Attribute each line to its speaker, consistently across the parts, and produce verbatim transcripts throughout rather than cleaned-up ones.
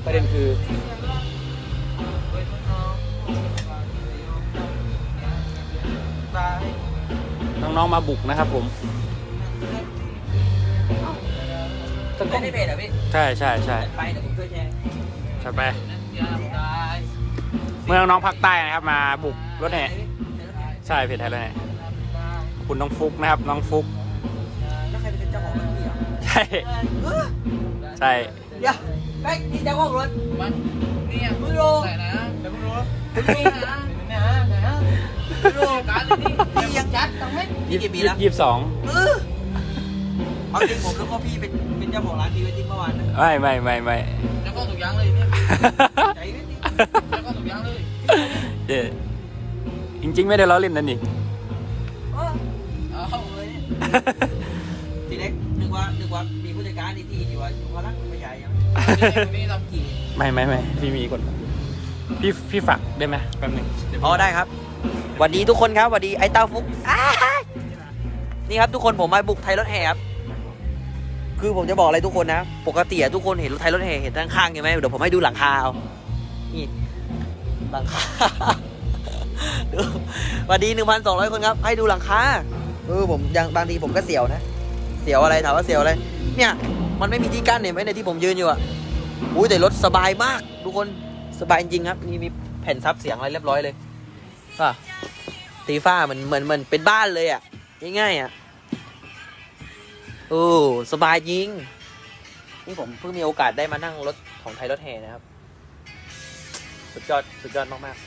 Speaker 1: ประเด็นคือน้องๆมาบุกนะครับผม
Speaker 2: ไม่ได้เพจเหรอพี่
Speaker 1: ใช่ใช่ใช่
Speaker 2: ไปเดี๋ยวผมช่วยแชร์
Speaker 1: ใช่ไปเมื่อน้องๆภาคใต้นะครับมาบุกรถแห่ใช่เพจไทยรถแห่ขอบคุณน้องฟุกนะครับน้องฟุก
Speaker 2: แล้วใครเป็นเจ้าของรถพี่อ่ะ
Speaker 1: ใช่ใช่
Speaker 2: เดี๋ยวแป๊กนี่เจ้าของรถมันนี่มึงโลแต่นะเดี๋ยวมึงโลมึงนี่นะนะนะมึงโลการเลยนี่พี่ยังจัดต้องไหมพี่กี่ปีแล้ว
Speaker 1: ยี่สิบสอง
Speaker 2: เออเอาจริงผมแล้วก็พี่เป็นเป็นเจ้าของร้านพีเวดดิ้งเมื่อวาน
Speaker 1: ไม่ไม่ไม่ไม่
Speaker 2: เจ้าของถูกยังเลยเนี่ยใจเวดดิ้งเจ้าของถูกยังเลย
Speaker 1: เจ๊จริงๆไม่ได้ล้อเล่นนั่นนี่
Speaker 2: เอาเลยทีเล็กนึกว่านึกว่ามีผู้จัดการที่ที่ว่าอยู่พลังไม่ใหญ่ยังไม่ทำกี่
Speaker 1: ไม่ไม่ไม่พี่มีคนพี่พี่ฝากได้ไหมแป๊บนึง
Speaker 2: อ๋อได้ครับสวัสดีทุกคนครับสวัสดีไอ้เต้าฟุกนี่ครับทุกคนผมมาบุกไทยรถแห่ครับคือผมจะบอกอะไรทุกคนนะปกติทุกคนเห็นรถไทยรถแห่เห็นด้านข้างใช่ไหมเดี๋ยวผมให้ดูหลังคาเอานี่หลังคาสวัสดีหนึ่งพันสองร้อยคนครับให้ดูหลังคาเออผมยังบางทีผมก็เสียวนะเสียวอะไรถามว่าเสียวอะไรเนี่ยมันไม่มีที่กั้นเห็นไหมในที่ผมยืนอยู่อ่ะอุ้ยแต่รถสบายมากทุกคนสบายจริงครับนี่มีแผ่นซับเสียงอะไรเรียบร้อยเลยป่ะตีฟ้ามันเหมือนเหมือนเป็นบ้านเลยอ่ะง่ายๆอ่ะโอ้สบายจริงนี่ผมเพิ่งมีโอกาสได้มานั่งรถของไทยรถแห่นะครับสุดยอดสุดยอดมาก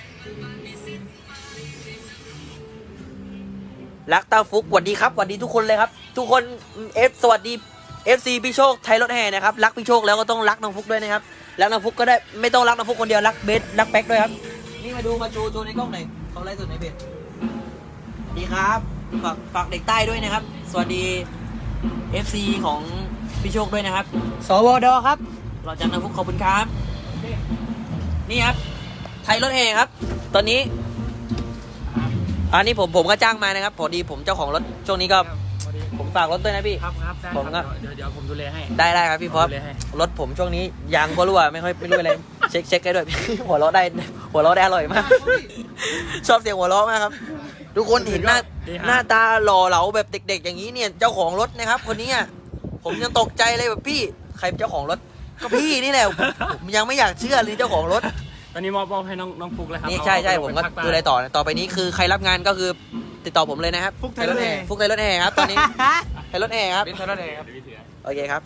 Speaker 2: ๆรักเต้าฟุกสวัสดีครับสวัสดีทุกคนเลยครับทุกคนเอฟสวัสดี เอฟ ซี พี่โชคไทยรถแห่นะครับรักพี่โชคแล้วก็ต้องรักน้องฟุกด้วยนะครับรักน้องฟุกก็ได้ไม่ต้องรักน้องฟุกคนเดียวรักเบสรักแป๊กด้วยครับนี่มาดูมาโชว์โชว์ในกล้องหน่อยเขาไลฟ์สดในเพจดีครับฝากฝากเด็กใต้ด้วยนะครับสวัสดี เอฟ ซี ของพี่โชคด้วยนะครับสวดครับเราจากน้องฟุกขอบคุณครับนี่ครับไทยรถแห่ครับตอนนี้อันนี้ผมผมก็จ้างมานะครับพอดีผมเจ้าของรถช่วงนี้ก็ผมฝากรถด้วยนะพี่
Speaker 1: ครับครับ
Speaker 2: ผมก็
Speaker 1: เดี๋ยวเดี๋ยวผมดูแลให้
Speaker 2: ได้ได้ครับพี่พอรถผมช่วงนี้ยางก็รั่วไม่ค่อยไม่รู้อะไรเช็คเช็คได้ด้วยหัวเราะได้หัวเราะได้อร่อยมากชอบเสียงหัวเราะมากครับทุกคนเห็นหน้าหน้าตาหล่อเหลาแบบเด็กๆอย่างนี้เนี่ยเจ้าของรถนะครับคนนี้ผมยังตกใจเลยแบบพี่ใครเป็นเจ้าของรถก็พี่นี่แหละผมยังไม่อยากเชื่อเลยเจ้าของรถ
Speaker 1: ตอนนี้มอบมอบให้น้องน้องฟุกเลยครับ
Speaker 2: นี่ใช่ใช่ผมก็ดูอะไรต่อต่อไปนี้คือใครรับงานก็คือติดต่อผมเลยนะครับ
Speaker 1: ฟุกไทยรถแห่
Speaker 2: ฟุกไทยรถแห่ครับตอนนี้ไทยรถแห่ครับ
Speaker 1: ไทยรถแห่ครับ
Speaker 2: โอเคครับ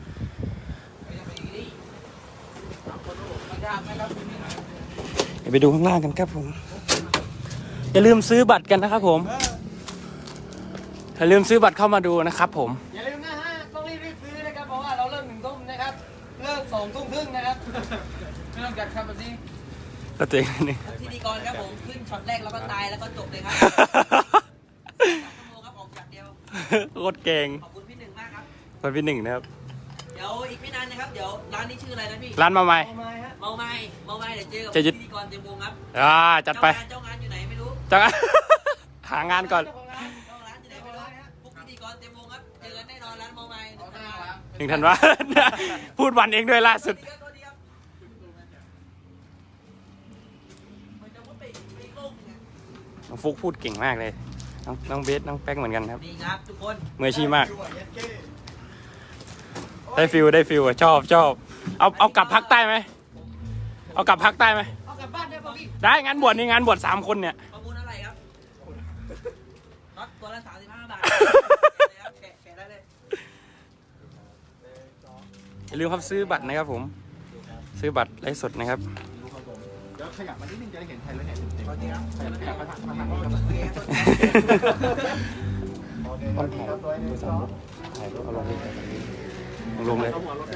Speaker 1: ไปดูข้างล่างกันครับผมอย่าลืมซื้อบัตรกันนะครับผมอย่าลืมซื้อบัตรเข้ามาดูนะครับผม
Speaker 2: อย่าลืมนะฮะต้องรีบรีบซื้อนะครับเพราะว่าเราเริ่มหนึ่งทุ่มนะครับเลิกสองทุ่มครึ่งนะครับไม่ต้องจัดครับแบบนี้
Speaker 1: ก็เจ๋งนี่
Speaker 2: พิธีกรครับผมขึ้นช็อตแรกแล้วก็ตายแล้วก็จบเลยครับชั่วโมงครับออกจากเดียว
Speaker 1: โคตรเก่ง
Speaker 2: ขอบคุณพี่หนึ่งมากครับ
Speaker 1: ขอบคุณพี่หนึ่งนะครับ
Speaker 2: เดี๋ยวอีกไม่นานนะครับเดี๋ยวร้านนี้ชื่ออะไรนะพี่
Speaker 1: ร้านเมาไม้
Speaker 2: เมาไม้ฮะเมาไม้เมาไม้เดี๋ยวเจอกับพิธีกรเต็มวงครับ
Speaker 1: อ่าจัดไป
Speaker 2: เจ้างานอยู่ไหนไม่รู้
Speaker 1: เจ้างานหางานก่อน
Speaker 2: เจ้าร้านอยู่ไหนไม่รู้พวกพิธีกรเต็มวงครับเจอกันแน่นอนร้านเมาไม้
Speaker 1: หนึ่งธันวาพูดวันเองด้วยล่าสุดน้องฟุกพูดเก่งมากเลยน้องน้องเบสน้องแป๊กเหมือนกันครับ
Speaker 2: นี่ครับทุกคน
Speaker 1: มืออาชีพมากได้ฟิลได้ฟิลอ่ะชอบชอบเอาเอากลับพักใต้ไหมเอากลับพักใต้ไหม
Speaker 2: เอากลับบ้านได้ป่ะพี่
Speaker 1: ได้งานบวชนี่งานบวชสามคนเนี่ย
Speaker 2: ประมูลอะไรครับน็อตตัวละสามสิบห้าบาทแกะแกะได้เลย
Speaker 1: อย่าลืมครับซื้อบัตรนะครับผมซื้อบัตรไลฟ์สดนะครับ
Speaker 3: เดี๋ยวขยับมานิดนึงจะได้เห็นไทยแล้วเนี่ยเต็มๆขยับมาทางมาทางนี้ครับ
Speaker 1: ต้องถ่ายดูสามรถถ่ายรถเอาลงเลยลงเลย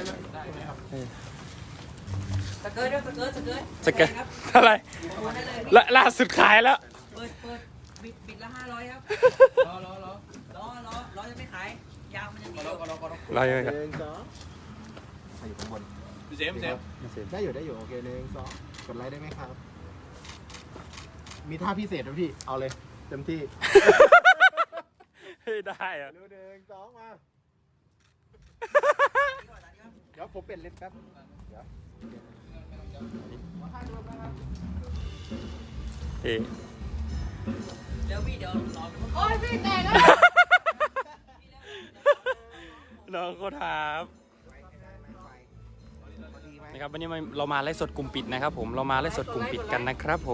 Speaker 2: สเกิร์ตด้วยสเกิร์ตสเกิร์ต
Speaker 1: สเกิร์ตอะไรละล่าสุดขายแล้ว
Speaker 2: เปิดเปิดบิดบิดละห้าร้อยครับรอรอรอรอรอรอจะไม่ขายยาวมันยังมีรอรอรอ
Speaker 1: รอยังไงครับ
Speaker 3: อยู่ข้างบน
Speaker 1: เซฟเซฟ
Speaker 3: ได้อยู่ได้อยู่โอเคหนึ่งสองกดไลค์ได้ไหมครับมีท่าพิเศษไหมพี่เอาเลยเต็มที่
Speaker 1: ได้อะ
Speaker 3: หนึ่งสองมาเดี๋ยวผมเปลี่ยนเลนส์แป๊บเดี๋ยว
Speaker 1: เอ๊ะ
Speaker 2: เดี๋ยวพี่เดี๋ยวรอ
Speaker 4: โอ้ยพี่แตกแล้ว
Speaker 1: น้องก็ถามนะครับวันนี้เรามาไลฟ์สดกลุ่มปิดนะครับผมเรามาไลฟ์สดกลุ่มปิดกันนะครับผม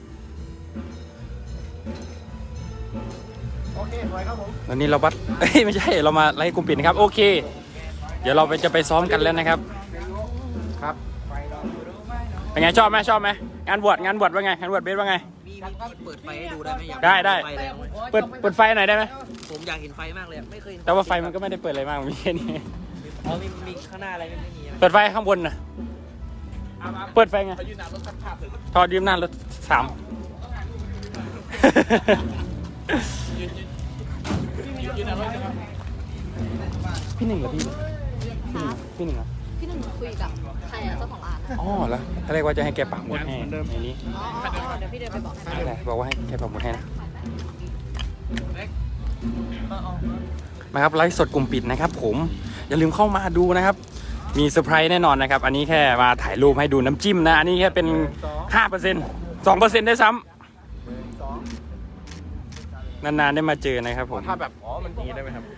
Speaker 3: โอเคสวยครับผม
Speaker 1: วันนี้เราบัดเอ้ยไม่ใช่เรามาไลฟ์กลุ่มปิดนะครับโอเค เดี๋ยวเราไปจะไปซ้อมกันแล้วนะครับ
Speaker 3: ครับ
Speaker 1: เป็นไงชอบไหมชอบไหมงานบวชงานบวชว่าไงงานบวชเบสว่าไง
Speaker 2: มีมีเปิดไฟให้ดูได้ไหมอยาก
Speaker 1: ได้ได้
Speaker 2: ไฟแรงไหม
Speaker 1: เปิดเปิดไฟหน่อยได้ไหม
Speaker 2: ผมอยากเห็นไฟมากเลยอะไม่เคยเห็น
Speaker 1: แต่ว่าไฟมันก็ไม่ได้เปิดอะไรมากมีแค่นี้
Speaker 2: อ๋อมีมีข้างหน้าอะไรไม่ไม่มีอะ
Speaker 1: เปิดไฟข้างบนนะเปิดไฟไงทอดยืมหน้ารถสามพี่หนึ่งเหรอพี่พี่หนึ่งพี่หนึ่งเหรอ
Speaker 4: พี่หนึ่งคุยกับใครอะเจ้าของร้านอะ
Speaker 1: อ๋อแล้วถ้าเรียกว่าจะให้แกปักหมุดให้ในนี้
Speaker 4: อ๋ออ๋อเดี๋ยวพี่เดินไปบอกให้
Speaker 1: อะไรบอกว่าให้แกปักหมุดให้นะมาครับไลฟ์สดกลุ่มปิดนะครับผมอย่าลืมเข้ามาดูนะครับมีเซอร์ไพรส์แน่นอนนะครับอันนี้แค่มาถ่ายรูปให้ดูน้ำจิ้มนะอันนี้แค่เป็น ห้าเปอร์เซ็นต์ สองเปอร์เซ็นต์ได้ซ้ำนานๆได้มาเจอนะครับผม
Speaker 3: ถ้าแบบอ๋อมันดีได้ไหมครับ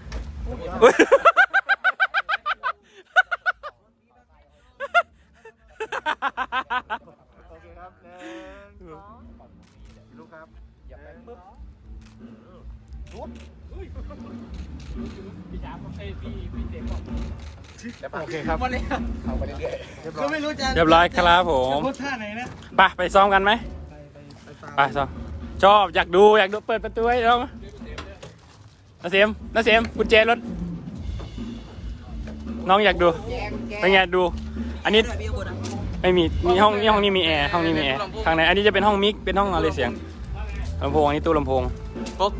Speaker 3: โอเคครับหนึ่งสองลูกครับอย่าไปปึ๊บโอเคครับเอาไปเรื่อยๆเรียบร้อย
Speaker 1: เรียบร้อยครับผมไปไปซ้อมกันไหมไปซ้อมชอบอยากดูอยากดูเปิดประตูให้เรานาเสียมนาเสียมกุญแจรถน้องอยากดูเป็นไงดู อันนี้
Speaker 2: พี่ข้างบนอะ
Speaker 1: ไม่มีมีห้องนี่ห้องนี้มีแอร์ห้องนี้มีแอร์ข้างในอันนี้จะเป็นห้องมิกเป็นห้องอะไรเสียงลำโพงอันนี้ตู้ลำโพง
Speaker 2: ปุ๊บ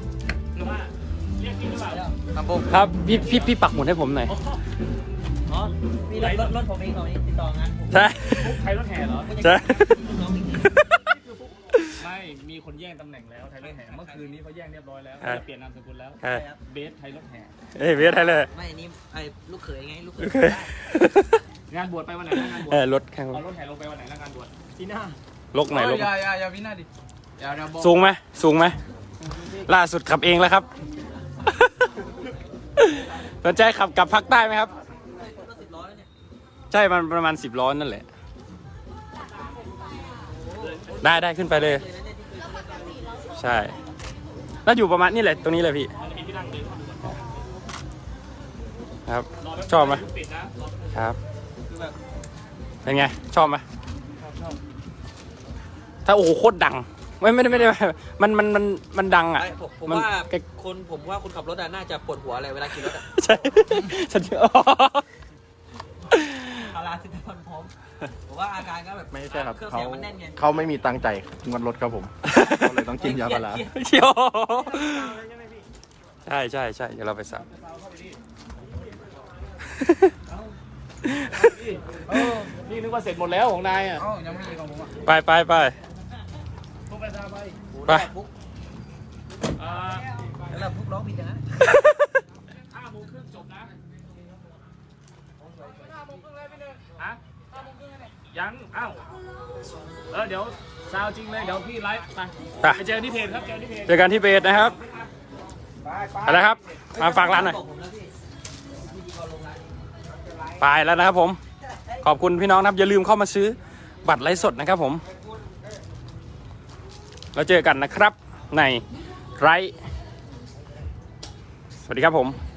Speaker 2: ครับผม
Speaker 1: ครับพี่พี่พี่ปักหมุดให้ผมหน่อย
Speaker 2: อ๋อมีรถรถรถผมเองของนี้ติดต่องานผม
Speaker 1: ใช่
Speaker 5: ใครรถแห่เหรอ
Speaker 1: ใช่
Speaker 2: น้องอีกที
Speaker 5: ไม่ มีคนแย่งตำแหน่งแล้วไทยรถแห่ เมื่อคืนนี้เขาแย่งเรียบร้อยแล้ว
Speaker 1: ครับ
Speaker 5: จะเปลี่ยนนามสกุลแล้ว
Speaker 1: ใช่
Speaker 5: เบสไทยรถแห่
Speaker 1: เอ้ยเวียดไทยเลย
Speaker 2: ไม่อันนี้ไอ้ลูกเขยไงลูกเขย
Speaker 1: โอเค
Speaker 5: งานบวชไปวันไหนนะงานบวช
Speaker 1: เออรถแข่ง
Speaker 5: เอารถแห่ลงไปวันไหนนะงานบวชที่หน้า
Speaker 1: ลกหน่อยลก
Speaker 5: อย่าอย่าอย่าวินาดิอย่าอย่าบอก
Speaker 1: สูงไหมสูงไหมล่าสุดขับเองแล้วครับ สนใจขับกลับภาคใต้ไหมครับ
Speaker 2: รถสิบล้อแล้วเนี่ย
Speaker 1: ใช่มันประมาณสิบล้อนั่นแหละ ได้ได้ขึ้นไปเลย ใช่ แล้วอยู่ประมาณนี่แหละตรงนี้เลยพี่ ครับ ชอบไหม
Speaker 5: ปิดนะครับ
Speaker 1: เป็นไง ชอบไหมถ้าโอ้โหโคตรดัง ไม่ไม่ได้ไม่ได้มันมันมันมันดังอ่ะ
Speaker 2: ไม่ผมผม
Speaker 1: มัน
Speaker 2: ว่า
Speaker 1: ใกล้
Speaker 2: คนผมว่าคนขับรถอะน่าจะปวดหัวอะไรเวลาขี่รถอะ
Speaker 1: ใช่ฉันอ๋อ
Speaker 2: พาราซิตามอลพร้อมผมว่าอาการก็แบบ
Speaker 3: ไม่ใช่ครับ
Speaker 2: เครื่อง
Speaker 3: เขา
Speaker 2: เสียงมันแน่นไง
Speaker 3: เขาไม่มีตังค์ใจายงวดรถครับผมก็เลยต้องกินยาพารา
Speaker 1: เชียวใช่ใช่ใช่เดี๋ยวเราไปสับ
Speaker 5: เออนี่นึกว่าเสร็จหมดแล้วของนายอ่ะอ๋อยังไม่มีของผมอ่ะ
Speaker 1: ไปไปไป
Speaker 5: พวกไปซาไป
Speaker 1: ไป
Speaker 2: ฟุก
Speaker 5: อ่า
Speaker 2: แล้วเราฟุกร้องผิดอย่างนั้น
Speaker 5: ห้าโมงครึ่งจบนะห้าโมงครึ่งเลยพี่หนึ่งฮะห้าโมงครึ่งเลยยังอ้าวเออเดี๋ยวซาวจริงเลยเดี๋ยวพี่ไลฟ์ไป
Speaker 1: ไป
Speaker 5: ไปเจอที่เพจครับเจอที่เพจ
Speaker 1: เจอกันที่เบสนะครับไปแล้วครับมาฝากร้านหน่อย
Speaker 2: บอกผมนะพี่พิธีกรลงร้าน
Speaker 1: ไปแล้วนะครับผม ขอบคุณพี่น้องนะครับอย่าลืมเข้ามาซื้อบัตรไลฟ์สดนะครับผมแล้วเจอกันนะครับในไลฟ์สวัสดีครับผม